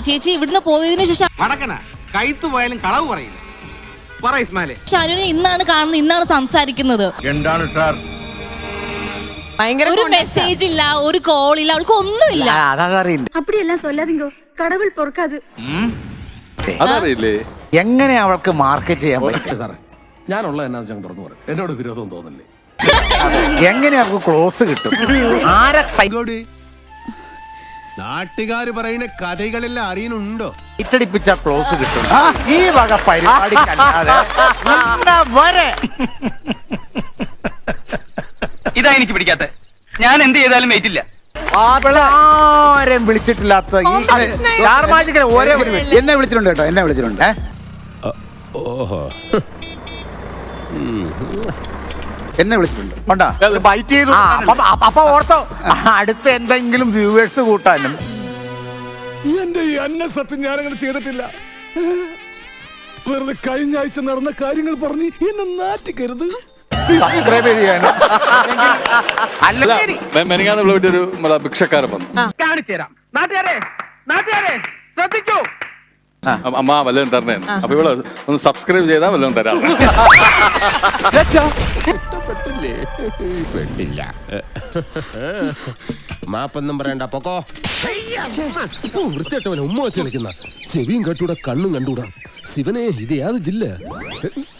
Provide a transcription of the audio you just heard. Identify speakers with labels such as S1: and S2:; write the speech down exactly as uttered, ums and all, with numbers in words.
S1: ചേച്ചി ഇവിടുന്ന് പോയതിനു ശേഷം
S2: കൈത്തു പോയാലും കളവ് പറയില്ല.
S1: ഷാനുവിനെ ഇന്നാണ് കാണുന്നത്, ഇന്നാണ് സംസാരിക്കുന്നത്.
S2: എന്താണ് സാർ?
S1: ഒരു മെസ്സേജ് ഇല്ല, ഒരു കോൾ ഇല്ല, അവൾക്ക് ഒന്നുമില്ല.
S3: അപ്പടിയെല്ലാം സൊല്ലാതിങ്കോ കടവുൾ പൊറുക്കാത്.
S4: അതറിയില്ലേ
S5: എങ്ങനെ അവൾക്ക് മാർക്കറ്റ് ചെയ്യാൻ പറ്റും?
S6: ഞാനുള്ള എന്നാ തുറന്നു പറയും, എന്നോട് വിരോധം തോന്നില്ലേ?
S5: എങ്ങനെ അവൾക്ക് ക്ലോസ് കിട്ടും? ആരെ
S6: നാട്ടുകാര് പറയുന്ന കഥകളെല്ലാം അറിയുന്നുണ്ടോ?
S5: ഇറ്റടിപ്പിച്ച ക്ലോസ് കിട്ടും. ഈ വക പരിപാടിക്കല്ലാതെ വരെ
S2: ഇതാ എനിക്ക് പിടിക്കാത്ത. ഞാൻ എന്ത് ചെയ്താലും വെയിറ്റില്ല.
S5: ആരും വിളിച്ചിട്ടില്ലാത്ത ഈ ഒരേ ഒരു
S7: എന്നെ വിളിച്ചിട്ടുണ്ട് കേട്ടോ, എന്നെ വിളിച്ചിട്ടുണ്ട്.
S6: ഓഹോ,
S7: എന്നെ വിളിച്ചിട്ടുണ്ട്.
S5: ബൈറ്റ് ചെയ്തു. അപ്പൊ ഓർത്തോ, അടുത്ത എന്തെങ്കിലും വ്യൂവേഴ്സ് കൂട്ടാനും.
S6: എന്റെ ഈ അന്ന സത്യം ഞാനങ്ങനെ ചെയ്തിട്ടില്ല. വെറുതെ കഴിഞ്ഞ ആഴ്ച നടന്ന കാര്യങ്ങൾ പറഞ്ഞ് എന്നെ നാറ്റിക്കരുത്.
S5: സബ്സ്ക്രൈബ് ചെയ്യാനും
S4: മെനിങ്ങാന്ന് ഒരു ഭിക്ഷക്കാരൻ വന്നു. അമ്മ വല്ലതും തരണേ. അപ്പൊ ഇവിടെ ഒന്ന് സബ്സ്ക്രൈബ് ചെയ്താൽ വല്ലതും തരാം.
S6: പെട്ടില്ല, മാപ്പൊന്നും പറയണ്ട, പൊക്കോ. വൃത്തിയായിട്ടവനെ ഉമ്മ വെച്ച് കളിക്കുന്ന ചെവിയും കെട്ടൂടാ, കണ്ണും കണ്ടൂടാ. ശിവനെ, ഇത് യാത് ജില്ല?